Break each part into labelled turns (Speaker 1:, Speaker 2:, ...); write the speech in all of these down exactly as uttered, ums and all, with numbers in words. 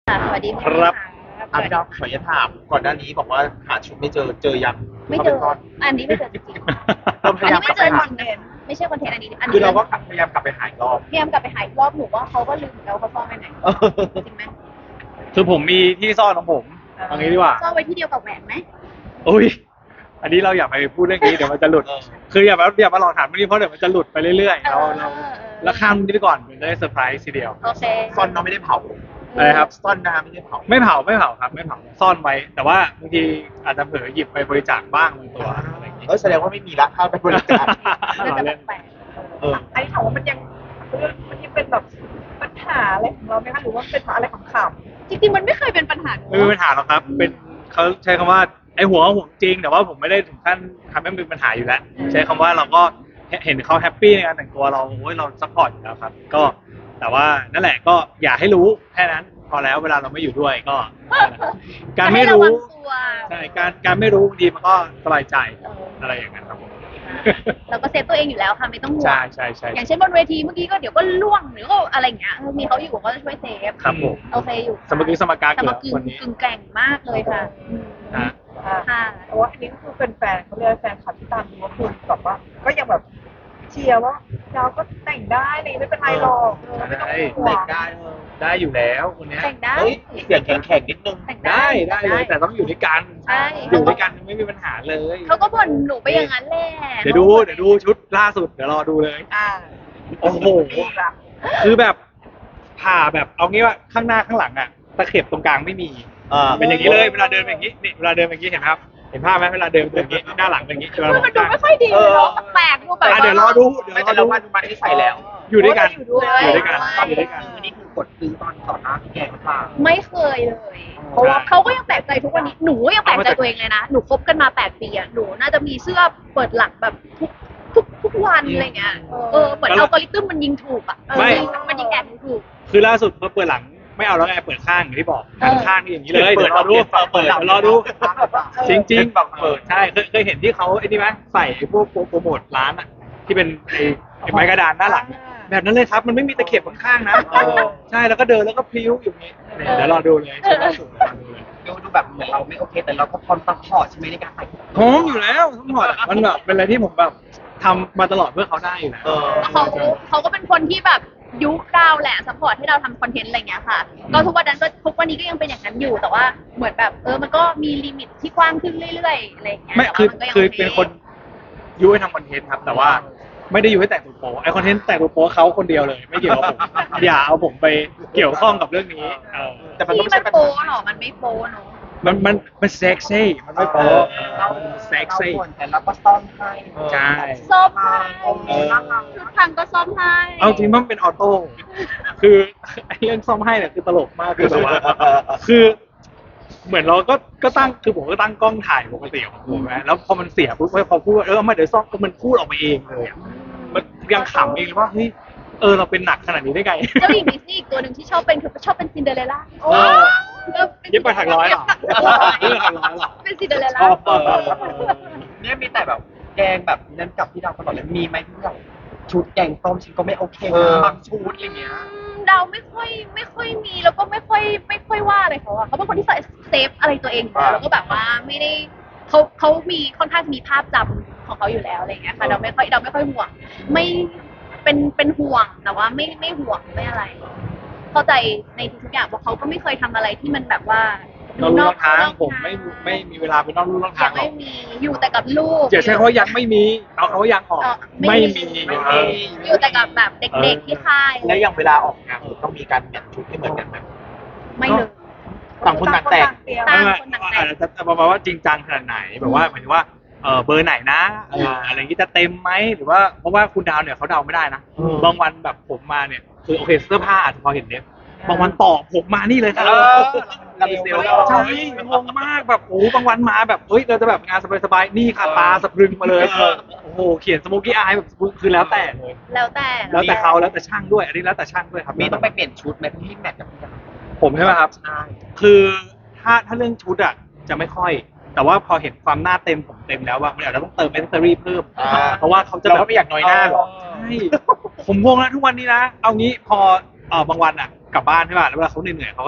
Speaker 1: ค่ะสวัสดี
Speaker 2: ครั
Speaker 1: พี่ค่ะ
Speaker 2: บ
Speaker 3: อ่ะพี่ดาวขออนุญาตถามก่อนหน้านี้บอกว่าหาชุดไม่เจอเจอยัง
Speaker 1: ไม่เจอ
Speaker 3: ขาปซ่น
Speaker 1: อันนี้ไม่เจอจริง
Speaker 3: เรา
Speaker 1: ๆ
Speaker 3: พ
Speaker 1: อัน
Speaker 3: ยายาม
Speaker 1: นี้
Speaker 3: ก
Speaker 1: ไม่
Speaker 3: ลับ
Speaker 1: เจ
Speaker 3: ไป
Speaker 1: อจ
Speaker 3: หา
Speaker 1: ริงนะไม่ใช่คอนเทนต์อันนี้อัน
Speaker 3: คือ
Speaker 1: นี้
Speaker 3: เราก็พยายามกลับไปหาอีกรอบ
Speaker 1: พยายามกลับไปหาอีกรอบหนูว่าเขาก็ลืมแล้วเขาซ่อนไว้ไหนจริงไหม
Speaker 2: คือผมมีที่ซ่อนของผมตรงนี้ดีกว่า
Speaker 1: ซ่อนไว้ที่เดียวกับแหวนไหม
Speaker 2: อุ้ยอันนี้เราอย่าไปพูดเรื่องนี้เดี๋ยวมันจะหลุด
Speaker 3: เออ
Speaker 2: คืออย่ามาอย่ามาหลอกถามเรื่องนี้เพราะเดี๋ยวมันจะหลุดไปเรื่อยๆเรา
Speaker 1: เออ
Speaker 2: เรา
Speaker 1: เออ
Speaker 2: แล้วข้ามนี้ไปก่อนมันจะได้เซอร์ไพรส์ทีเดียว
Speaker 1: โอเค
Speaker 3: ซ่อนน้องไม่ได้เผา
Speaker 2: อะไรครับ
Speaker 3: ซ่อนน้ำไม่ได้เผา
Speaker 2: ไม่เผาไม่เผาครับไม่เผาซ่อนไว้ แต่ว่าบางทีอาจจะเผลอหยิบไปบริจาคบ้างบางตัวอะไรอย่างงี้
Speaker 3: เออแสดงว่าไม่มีละถ้าไปบริจาค
Speaker 1: น่าจะแปลก
Speaker 3: เออ
Speaker 4: อันนี้ถามว่ามันยังมันยังเป็นแบบปัญหาอะไรของเราไหมคะหรือว่าเป็นเพราะอะไรของขำ
Speaker 1: ๆจริงๆมันไม่เคยเป็นปัญหาหนู
Speaker 2: ไม่มีปัญหาหรอกครับ เป็นเขาใช้คำว่าไอ้หัวก็ห่วงจริง แต่ว่าผมไม่ได้ถึงขั้นทำให้มันเป็นปัญหาอยู่แล้ว ใช้คำว่าเราก็เห็นเขาแฮปปี้ในการแต่งตัวเราโอ้ยเราซัพพอร์ตอยู่แล้วครับ ก็แต่ว่านั่นแหละก็อย่าให้รู้แค่นั้นพอแล้วเวลาเราไม่อยู่ด้วยก็นั่นแหละการไม่
Speaker 1: ให้ะ
Speaker 2: รู้
Speaker 1: วังตัว
Speaker 2: ใช่การการไม่รู้บางทีมันก็สบายใจ
Speaker 1: เออ
Speaker 2: อะไรอย่างนั้นครับผม
Speaker 1: เราก็เซฟตัวเองอยู่แล้วค่ะไม่ต้องห่วง
Speaker 2: ใช่ใช่ใช่
Speaker 1: อย่างเช่นบนเวทีเมื่อกี้ก็เดี๋ยวก็ล่วงหรือก็อะไรอย่างเงี้ยเออมีเขาอยู่ก็จะช่วยเซฟ
Speaker 2: ครับผม
Speaker 1: โอเคอยู่
Speaker 2: สมกี้สมการ
Speaker 1: แต่
Speaker 2: เกิ
Speaker 1: มา
Speaker 2: ด
Speaker 1: กึ่ง
Speaker 2: คนนี้
Speaker 1: กึ่งแกร่งมากเลยค่ะอืม
Speaker 2: นะ
Speaker 4: อ่า
Speaker 1: ค่ะ
Speaker 4: แต่ว่าอันนี้ก็คือเป็นแฟนเขาเรียกว่าแฟนคลับที่ตามดูว่าคุณแบบว่าก็ยังแบบเชียร์ว่าเราก็แต่งได้เลยไม่เป็นไรหรอกเออไม่ต้องห่ว
Speaker 3: แต่
Speaker 4: ง
Speaker 3: งได้เออ
Speaker 2: ได้อยู่แล้วคนเนี้ย
Speaker 1: แต่งได้
Speaker 3: เฮ้ยเสียงแข็งแข็งๆนิดนึง
Speaker 1: แต่ง
Speaker 2: ได้ได้เลยแต่ต้องอยู่ด้วยกัน
Speaker 1: ใช่
Speaker 2: อยู่ด้วยกันไม่มีปัญหาเลย
Speaker 1: เขาก็บ่นหนูไปอย่างนั้นแหละ
Speaker 2: เดี๋ยวดูเดี๋ยวดูชุดล่าสุดเดี๋ยวรอดูเลย
Speaker 4: อ่า
Speaker 2: โอ้โห
Speaker 4: ดีละ
Speaker 2: คือแบบผ่าแบบเอางี้ว่าข้างหน้าข้างหลังอ่ะตะเข็บตรงกลางไม่มี
Speaker 3: อ่า
Speaker 2: เป็นอย่างนี้เลยเวลาเดินเป็นอย่างนี้นี่เวลาเดินเป็นอย่างนี้เห็นไหมครับเห็นภาพไหมเวลาเดินเป็นอย่างนี้หน้าหลังเป็นอย่างนี้เวลา
Speaker 1: เฮ้ย
Speaker 2: ม
Speaker 1: มั
Speaker 2: อน ง
Speaker 1: ดู
Speaker 2: ข้าง
Speaker 1: ไม่ค่อยดีเลยเนาะแปลกๆดูแบบ
Speaker 2: อ่ะเดี๋ยวรอดูเดี๋ยว
Speaker 3: ไม่
Speaker 2: รอ
Speaker 3: แต่
Speaker 2: ดู
Speaker 3: ละวันวันนี้ใส่แล้ว
Speaker 2: อยู่ด้วยกัน
Speaker 4: อยู่ด้วย
Speaker 2: อยู่ด้วยกันอยู่ด้วยกัน
Speaker 3: อันนี้คือกดซื้อตอนต่อหน้าพี่แกงหรือเปล่า
Speaker 1: ไม่เคยเลย เพราะว่าเขาก็ยังแปลกใจทุกวันนี้หนูก็ยังแปลกใจตัวเองเลยนะหนูคบกันมาแปดปีอะหนูน่าจะมีเสื้อเปิดหลังแบบทุกทุกทุกวันอะไรเงี้ยเออเหมือนอัลกอริทึมมันยิงถูกอะเออ
Speaker 2: ไม่
Speaker 1: มันยิงแอบถูก
Speaker 2: คือล่าสุดพอเปิดหลังไม่เอาแล้วไงเปิดข้างอย่างที่บอกหันข้างนี่อย่างนี้เลย
Speaker 3: เปิ
Speaker 2: เดี๋
Speaker 3: ด
Speaker 2: ยวรอดู
Speaker 3: เปิดเปิด
Speaker 2: เดี๋ยวรอดู จริงจริง
Speaker 3: แบบเปิด
Speaker 2: ใช่เคยเคยเห็นที่เขาไอ้นี่ไหมใส่ไอ้พวกโปรโมทร้านอ่ะที่เป็นไอ้ไอ้ไม้กระดานหน้าหลังแบบนั้นเลยครับ มันไม่มีตะเข็บข้างๆนะ
Speaker 3: เออ
Speaker 2: ใช่แล้วก็เดินแล้วก็พลิ้วอยู่อย่างนี้เนี่ยเดี๋ยวรอดูเลยชุดล่าสุดรอดูเลย
Speaker 3: ดูดูแบบเหมือนเราไม่โอเคแต่เราก็พร้อมซัพพอร์ตใช่ไหมในการใส่
Speaker 2: พร้อมอยู่แล้วทั้งหมดอะมันแบบเป็นอะไรที่ผมแบบทำมาตลอดเพื่อเขาได้อยู่แล้ว
Speaker 3: เออ
Speaker 1: ๆเขาเขาก็เป็นคนที่แบบยุคเราแหละซัพพอร์ตให้เราทำคอนเทนต์อะไรเงี้ยค่ะ ก็ทุกวันนั้นก็ทุกวันนี้ก็ยังเป็นอย่างนั้นอยู่แต่ว่าเหมือนแบบเออมันก็มีลิมิตที่กว้างขึ้นเรื่อยๆอะไรเงี้ย
Speaker 2: ไม่
Speaker 1: แต่
Speaker 2: คือ
Speaker 1: ว่ามันก็ยัง
Speaker 2: คือ
Speaker 1: โอ
Speaker 2: เป็นคนยุให้ทำคอนเทนต์ครับ แต่ว่าไม่ได้ยุให้แต่งตัวโป๊ไอคอนเทนต์แต่งตัวโป๊เขาคนเดียวเลย ไม่เกี่ยวกับผม อย่าเอาผมไปเกี่ยวข้องกับเรื่องนี้เออ
Speaker 3: แต่มันก็
Speaker 1: ที่
Speaker 3: ไม่
Speaker 1: มั
Speaker 3: ใช่
Speaker 1: น
Speaker 3: ปัญ
Speaker 1: โป
Speaker 3: หา
Speaker 1: เหรอมันไม่โปเนาะ
Speaker 2: มันมันมันเซ็กซี่มันไม่โป๊
Speaker 3: เรา
Speaker 2: เซ็กซี่
Speaker 3: เราบ่นแต่เราก็ซ่อมให้
Speaker 2: ใช่
Speaker 1: ซ่อมให้
Speaker 3: เออ
Speaker 1: ทุกครั้งก็ซ่อมให้
Speaker 2: เอาจริงมันเป็นออโต้คือไอ้เรื่องซ่อมให้เนี่ยคือตลกมากคือแบบว่าคือ เหมือนเราก็ก็ตั้งคือผมก็ตั้งกล้องถ่ายปกติของผมนะแล้วพอมันเสียปุ๊บพอพูดว่าเออมาเดี๋ยวซ่อมก็มันพูดออกมาเองเลยอะมันยังขำเองเลยว่าเฮ้ยเออเราเป็นหนักขนาดนี้ได้ไง
Speaker 1: เจ้าหญิงดิสนีย์อีกตัวหนึ่งที่ชอบเป็นคือชอบเป็นซินเดอเรลล่า
Speaker 2: เออ เย็บไปถักร้อยเหรอเย็บไปถักร้อยเหรอ
Speaker 1: เป็นซินเดอเรล
Speaker 2: ช
Speaker 1: ล่า
Speaker 2: อบเออ
Speaker 3: เนี่ยมีแต่แบบแกงแบบนั้นกับพี่ดาวตลอดเลยมีไหมที่แบบชุดแกงส้มฉันก็ไม่โอเคนะบางชุดอะไรเงี้ย
Speaker 1: เดาไม่ค่อยไม่ค่อยมีแล้วก็ไม่ค่อยไม่ค่อยว่าอะไรเขาอะเขาเป็นคนที่เซฟอะไรตัวเองอยู่แล้วแล้วก็แบบว่าไม่ได้เขาเขามีค่อนข้างจะมีภาพจำของเขาอยู่แล้วอะไรอย่างเงี้ยค่ะเราไม่ค่อยเราไม่ค่อยห่วง ไม่เป็นเป็นห่วงแต่ว่าไม่ไม่ห่วงไม่อะไร เข้าใจในทุกๆอย่างเพราะเขาก็ไม่เคยทำอะไรที่มันแบบว่า
Speaker 2: เราลู่นอกทาง
Speaker 1: นอก
Speaker 2: ผมไม่ไม่มีเวลาไปนอกลู่นอก
Speaker 1: ยั
Speaker 2: ทาง
Speaker 1: ง
Speaker 2: หรอ
Speaker 1: ไม่
Speaker 2: ก
Speaker 1: มีอยู่แต่กับลูก
Speaker 2: อย่าใช้คำว่ายังไม่มีเอาคำว่ายังออก
Speaker 1: เออ
Speaker 2: ไม่มี
Speaker 3: ไม่
Speaker 2: เอ
Speaker 3: มี
Speaker 2: อ
Speaker 1: อยู่แต่กับแบบเด็กๆที่ค่าย
Speaker 3: แล้วอย่างเวลาออกงานต้องมีการแมทชุดให้เหมือนกันไหม
Speaker 1: ไม่เลย
Speaker 3: ต่างคนต่างแต่ง
Speaker 4: เตรียม
Speaker 1: ต่าง
Speaker 2: ไม่
Speaker 1: คนต่าง
Speaker 2: อาจจะจะประมาณว่าจริงจังขนาดไหนแบบว่าหมายถึงว่าเออเบอร์ไหนนะเอออะไรอย่างนี้จะเต็มไหมหรือว่าเพราะว่าคุณดาวเนี่ยเขาเดาไม่ได้นะ
Speaker 3: อืม
Speaker 2: บางวันแบบผมมาเนี่ยคือโอเคเสื้อผ้าอาจจะพอเห็นเน็บบางวันต่อผมมานี่เลยครับ
Speaker 3: เออเรามีเซลล์
Speaker 2: ใช่งงมากแบบโอ้บางวันมาแบบเฮ้ยเราจะแบบงานสบายๆนี่ค่ะตาสะพรึงมาเลย
Speaker 3: เออ
Speaker 2: โอ้โหเขียนสโมกี้อายแบบคือแล้วแต่เลย
Speaker 1: แล้วแต่
Speaker 2: แล้วแต่เขาแล้วแต่ช่างด้วย อันนี้แล้วแต่ช่างด้วยครับ
Speaker 3: มีต้องไปเปลี่ยนชุดไหมที่แมทกับพี่ดาว
Speaker 2: ผมใช่ไหมครับ
Speaker 3: ใช่
Speaker 2: คือถ้าถ้าเรื่องชุดอ่ะจะไม่ค่อย แต่ว่าพอเห็นความหน้าเต็มผมเต็มแล้วว่ามันอาจจะต้องเติมแอคเซสซอรี่เพิ่ม
Speaker 3: อ่า
Speaker 2: เพราะว่าเขาจะ
Speaker 3: เรา
Speaker 2: แบบ
Speaker 3: ก็ไม่อยากน้อยหน้าหรอก
Speaker 2: ใช่ผมงงนะทุกวันนี้นะ เอางี้พอเออบางวันอ่ะกลับบ้านใช่ป่ะแล้วเวลาเขาเหนื่อยๆเขาก็จะ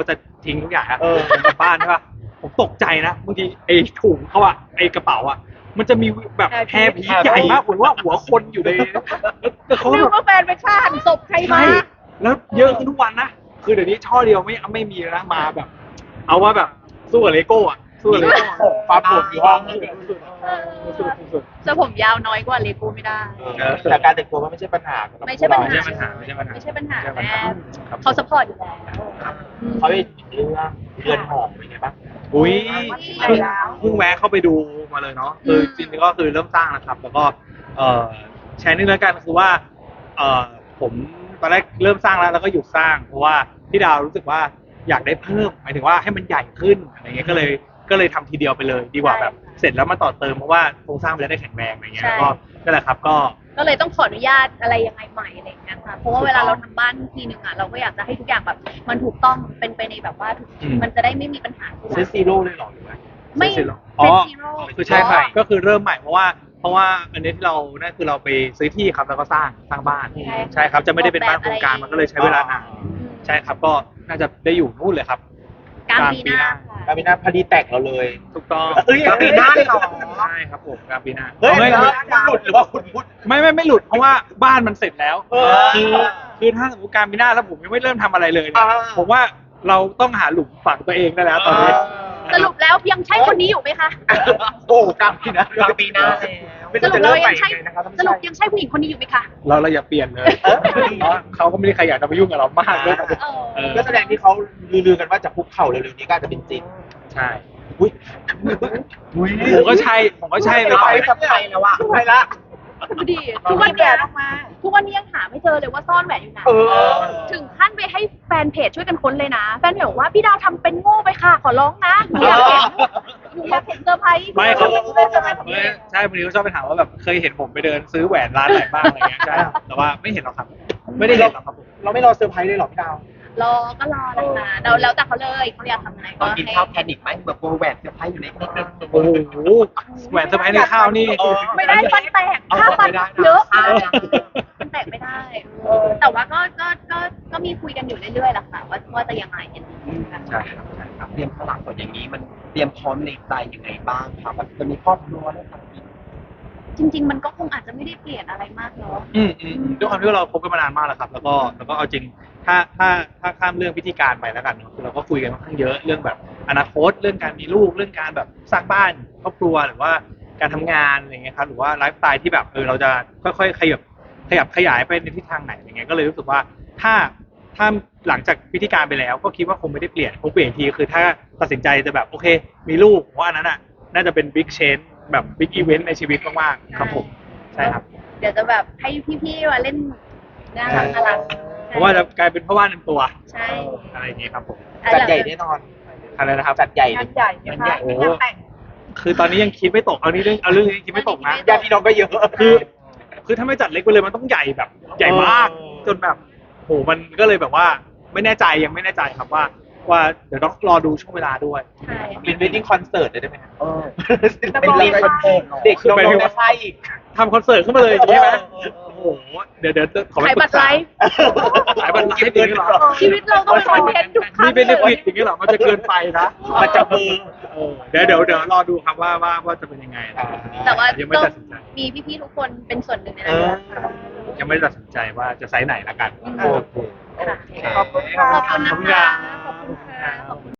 Speaker 2: ทิ้งทุกอย่างนะ
Speaker 5: เออ
Speaker 2: ผมกลับบ้านใช่ป่ะผมตกใจนะบางทีไอ้ถุงเขาอะไอ้กระเป๋าอะมันจะมีแบบแพรผีใหญ่มากเหมือนว่าหัวคนอยู่ในแล้วเขา
Speaker 4: นึ
Speaker 2: แบ
Speaker 4: ก
Speaker 2: บ
Speaker 4: ว่าแฟนไปฆ่าหันศพใครมา
Speaker 2: ใช่แล้วเยอะขึ้นทุกวันนะคือเดี๋ยวนี้ช่อเดียวไม่ไม่มีแล้วนะมาแบบ เอาว่าแบบสู้กับเลโก้อะสู้กับเลโก้
Speaker 5: ความปวดอยู่ห้อง
Speaker 2: สุดสุด
Speaker 1: จะผมยาวน้อยกว่าเลโก้ไม่ได้
Speaker 5: เออแต่การแต่งตัวก็ไม่ใช่ปัญหาสำหรับ
Speaker 1: ไม่ใช่ปัญหา
Speaker 2: ไม่ใช่ปัญหาไม่ใช่ปัญหา
Speaker 1: ไม่ใช่ปัญหา
Speaker 2: ไม่ใช่ปัญ
Speaker 1: แม่
Speaker 2: หาครับ
Speaker 1: เขาสปอร์ตอยู่แล้ว
Speaker 5: เขาไปเรื่องเรือนหอเป็นไงบ้าง
Speaker 2: อุ้ย
Speaker 4: ใช่
Speaker 2: เพิ่ง
Speaker 4: แล้ว
Speaker 2: เพิ่งแวะเข้าไปดูมาเลยเนาะคือจริงๆก็คือเริ่มสร้างนะครับ แล้วก็เอ่อแชร์นิดแล้วกันคือว่าเอ่อผมตอนแรกเริ่มสร้างแล้วแล้วก็หยุดสร้าง เพราะว่าพี่ดาวรู้สึกว่าอยากได้เพิ่มหมายถึงว่าให้มันใหญ่ขึ้นอะไรเงี้ยก็เลยก็เลยทำทีเดียวไปเลย ดีกว่าแบบเสร็จแล้วมาต่อเติมเพราะว่าโครงสร้างมันจะได้แข็งแรงอะไรเงี้ยแล้วก็นั่นแหละครับก็
Speaker 1: ก็เลยต้องขออนุญาตอะไรยังไงใหม่อะไรอย่างเงี้ยค่ะ เพราะว่าเวลาเราทำบ้านทีหนึ่งอ่ะเราก็อยากจะให้ทุกอย่างแบบ มันถูกต้องเป็นไปในแบบว่าทุก
Speaker 2: อืม
Speaker 1: มันจะได้ไม่มีปัญหาที่หลั
Speaker 5: เซต
Speaker 1: ง
Speaker 5: ซีโร่เลยเหรอหรือว่า
Speaker 1: ไม่
Speaker 2: เสร็จแล้ว
Speaker 1: เซตซีโร่
Speaker 2: คือใช่ครับก็คือเริ่มใหม่เพราะว่าเพราะว่าอันนี้ที่เรานั่นคือเราไปซื้อที่ครับแล้วก็สร้างสร้างบ้าน
Speaker 1: ใช่
Speaker 2: ใช่ครับจะไม่ได้เป็นบ้านโครงการมันก็เลยใช้เวลานาน
Speaker 1: อืม
Speaker 2: ใช่ครับก็น่าจะได้อยู่นู่นเลยครับ
Speaker 1: กลางปีหน้า
Speaker 5: การบินาพอดีแต่งเราเลย
Speaker 2: ถูกต้อง
Speaker 5: เอ้ยกลางปีหน้าเลยเหรอ
Speaker 2: ใช่ครับผมกลางปีหน้า
Speaker 5: เฮ้ย
Speaker 2: ไม่
Speaker 5: แล้ว
Speaker 2: ไม่
Speaker 5: คุณหลุดหรือว่าคุณพูด
Speaker 2: ไม่ไม่ไม่หลุดเพราะว่าบ้านมันเสร็จแล้ว
Speaker 5: เออ
Speaker 2: คือคือถ้าสมมติกลางปีหน้าแล้วผมยังไม่เริ่มทำอะไรเลยเนี่ย
Speaker 5: อ่า
Speaker 2: ผมว่าเราต้องหาหลุมฝังตัวเองได้แล้วตอนนี้
Speaker 1: สรุปแล้วยังใช่คนนี้อยู่ไหมคะ
Speaker 5: โอ้กลางปีหน้าก
Speaker 3: ลางปีหน้าแล้ว
Speaker 5: ไม่
Speaker 1: ส
Speaker 5: รู้
Speaker 1: รุป
Speaker 5: จะ
Speaker 1: เรา
Speaker 5: เริ่มให
Speaker 1: ยั
Speaker 5: ม่
Speaker 1: งใช่
Speaker 5: ยังไงนะครับท่าน
Speaker 1: ส
Speaker 5: ผู้ช
Speaker 1: รุป
Speaker 5: ม
Speaker 1: ยังใช่ผู้หญิงคนนี้อยู่ไหมคะ
Speaker 2: เราเราอย่าเปลี่ยนเลยเพราะเขาก็ไม่ได้ใครอยากจะมายุ่งกับเรามากด้วย
Speaker 1: เออ
Speaker 2: เออ
Speaker 5: ก็แสดงที่เขาลือๆกันว่าจะคุกเข่าเร็วๆนี้ก็อาจจะเป็นจริง
Speaker 2: ใช่
Speaker 5: อุ้ยอุ้ย
Speaker 2: ผมก็ใช่ผมก็ใช่เลย
Speaker 3: ไปกับใครแล้วอะ
Speaker 5: ไปละ
Speaker 1: ดูดิทุกวัน
Speaker 4: แบ
Speaker 1: เนี้ย
Speaker 4: บออกมา
Speaker 1: ทุกวันนี้ยังหาไม่เจอเลยว่าซ่อนแหวนอยู่ไหน
Speaker 5: เออ
Speaker 1: ถึงขั้นไปให้แฟนเพจช่วยกันค้นเลยนะ แฟนเพจบอกว่าพี่ดาวทำเป็นโง่ไปค่ะ ขอร้องนะหนูอยากเห็นหนูอยากเห็นเซอร์ไพรส์
Speaker 2: ไม่เขา
Speaker 1: หนูอยากเห็นเซอร์ไพรส์ของ
Speaker 2: ไม่
Speaker 1: เอง
Speaker 2: ใช่บางทีเขาชอบไปถามว่าแบบเคยเห็นผมไปเดินซื้อแหวนร้านไหนบ้างอะไรเงี้ยใช่แต่ว่าไม่เห็นหรอกครับ ไม่ได้เห็นหรอกครับผม
Speaker 5: เราไม่รอเซอร์ไพรส์เลยเหรอพี่ดาว
Speaker 1: รอก็รอนะคะเราแล้วแต่เขาเลยเขาอยากทำอะไร
Speaker 3: ต
Speaker 1: ก็
Speaker 3: อนกิน
Speaker 1: ให้
Speaker 3: ข้าวแพนิคไหมแบบโบแหวนเซอร์ไพรส์อยู่ในนิดนึง
Speaker 2: โอ้โหแหวนเซอร์ไพรส์ในข้าวนี่
Speaker 5: เออ
Speaker 1: ไม่ได้ฟันแตก
Speaker 3: เอา
Speaker 1: ค่าฟัน
Speaker 3: ไม่ได้นะ
Speaker 1: เยอะ
Speaker 3: ค่า
Speaker 1: ฟันแตกไม่ได้เออแต่ว่าก็ก็ก็ก็มีคุยกันอยู่เรื่อยๆแหละค่ะว่าว่าจะยังไงกันนะคะ
Speaker 2: ใช่ครับใช่ครับ
Speaker 3: เตรียมสลักก่อนอย่างนี้มันเตรียมพร้อมในใจยังไงบ้างครับแบบจะมีครอบครัวแล้วครับ
Speaker 1: จริง ๆ มันก็คงอาจจะไม่ได้เปลี่ยนอะไรมากเนาะ
Speaker 2: อืมอืมอืมด้วยความที่ว่าเราคบกันมานานมากแล้วครับ แล้วก็แล้วก็เอาจริงถ้าถ้าถ้าข้ามเรื่องพิธีการไปแล้วกันเนอะคือเราก็คุยกันค่อนข้างเยอะเรื่องแบบอนาคตเรื่องการมีลูกเรื่องการแบบสร้างบ้านครอบครัวหรือว่าการทำงานอะไรเงี้ยครับหรือว่าไลฟ์สไตล์ที่แบบเออเราจะค่อยๆขยับขยับขยายไปในทิศทางไหนอย่างเงี้ยก็เลยรู้สึกว่าถ้าถ้าหลังจากพิธีการไปแล้ว ก็คิดว่าคงไม่ได้เปลี่ยนคงเปลี่ยนอีกทีคือถ้าตัดสินใจจะแบบโอเค มีลูกเพราะอันนั้นอ่ะน่าจะเป็นบิ๊กเชนแบบบิ๊กอีเวนต์ในชีวิตมากๆครับผมใช่ครับ
Speaker 1: เดี๋ยวจะแบบให้พี่ๆมาเล่นน่ารักน่ารัก
Speaker 2: เพราะว่าจะกลายเป็นพ่อบ้านเต็มตัว
Speaker 1: ใช่
Speaker 2: อะไรอย่างงี้ครับผม
Speaker 5: จัดใหญ่แน่นอน
Speaker 2: อะไรนะครับ
Speaker 5: จัดใหญ่
Speaker 4: งานใหญ่ไหมคะ
Speaker 2: โอ้
Speaker 4: เป็นงานแต่ง
Speaker 2: คือตอนนี้ยังคิดไม่ตกเอานี่เรื่องเอาเรื่องนี้คิดไม่ตกนะ
Speaker 5: ญาติพี่น้องก็เยอะ
Speaker 2: คือ คือถ้าไม่จัดเล็กไปเลยมันต้องใหญ่แบบ ใหญ่มาก
Speaker 5: เออ
Speaker 2: จนแบบโหมันก็เลยแบบว่าไม่แน่ใจยังไม่แน่ใจครับว่า ว่าเดี๋ยวต้องรอดูช่วงเวลาด้วย
Speaker 1: ใช่
Speaker 5: เป็นเวดดิ้งคอนเสิร์ตเลยได้ไหมครับ
Speaker 3: เออ
Speaker 5: เป็นเด็กคอนเสิร์ตเด็กน้องๆในค่ายอีก
Speaker 2: ทำคอนเสิร์ตขึ้นมาเลยอย่างนี้ไหม
Speaker 5: เออเออเออ
Speaker 2: โอ้โหเดี๋ยวเดี๋ยวขอไป
Speaker 1: ขาย
Speaker 2: ปรึ
Speaker 1: บัต
Speaker 2: ก
Speaker 1: รไล
Speaker 2: ษา
Speaker 1: ฟ์
Speaker 2: ขายบัตรไลฟ์อย่างนี้เหรอ
Speaker 1: ชีวิตเราต้องเป็นคอนเทนต์ทุกครั้
Speaker 2: นี่
Speaker 1: ง
Speaker 2: เป็น
Speaker 1: เล
Speaker 2: เน็ตฟลิ
Speaker 1: ย
Speaker 2: กอย่างนี้เหรอมันจะเกินไปนะ
Speaker 5: มันจะมือ
Speaker 2: เออเดี๋ยวเดี๋ยวเดี๋ยวรอดูครับว่าว่าว่าจะเป็นยังไงนะ
Speaker 1: แต่ว่า
Speaker 2: ยังไม่
Speaker 1: ก็
Speaker 2: ตัดสินใจ
Speaker 1: มีพี่ๆทุกคนเป็นส่วนหนึ่งใน
Speaker 5: เอ
Speaker 1: นั้น
Speaker 5: อ
Speaker 1: ค่ะ
Speaker 2: ยังไม่ได้ตัดสินใจว่าจะไซส์ไหนละกัน
Speaker 5: โอเค
Speaker 1: ค่ะ
Speaker 4: ขอบคุณค่ะ
Speaker 1: ขอบคุณนะคะขอบคุณค่ะขอบคุณ